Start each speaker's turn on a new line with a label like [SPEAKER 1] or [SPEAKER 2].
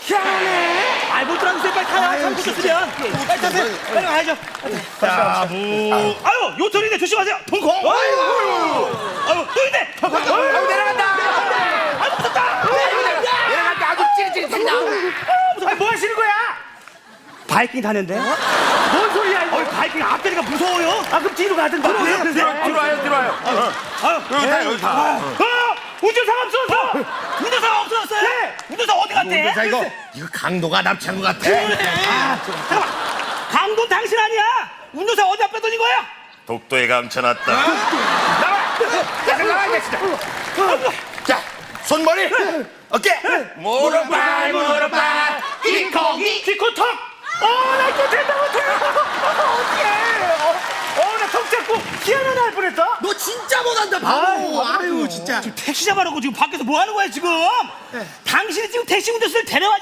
[SPEAKER 1] 희한해. 못 들었는데 빨리 타요. 잘못 줬으면. 빨리 타세요. 빨리 가야죠. 자, 아유, 요철이네. 조심하세요. 동콩. 아유, 또 있네.
[SPEAKER 2] 아유, 내려간다.
[SPEAKER 1] 아, 무섭다.
[SPEAKER 2] 내려갈 때 아주 찌릿찌릿한다.
[SPEAKER 1] 무서워. 뭐 하시는 거야? 바이킹 타는데? 뭔 소리야, 이거? 바이킹 앞다리가 무서워요? 그럼 뒤로 가든가.
[SPEAKER 2] 들어와요. 여기 타.
[SPEAKER 1] 운전사가 없어졌어! 운전사가 없어졌어요? 네! 운전사 어디 갔대?
[SPEAKER 2] 운전사 이거 강도가 납치한 것 같아.
[SPEAKER 1] 잠깐만! 강도 당신 아니야! 운전사 어디다 빼돌린 거야?
[SPEAKER 3] 독도에 감춰놨다.
[SPEAKER 2] 나와, 진짜. 자, 손머리, 어깨, 무릎발,
[SPEAKER 1] 키코턱! 나 이거 된다 못해! 어떡해! 나 턱 잡고 희한한 날 뻔했다?
[SPEAKER 2] 너 진짜 못한다, 바보. 아유, 진짜.
[SPEAKER 1] 지금 택시 잡아놓고 지금 밖에서 뭐 하는 거야, 지금? 당신이 지금 택시 운전수를 데려와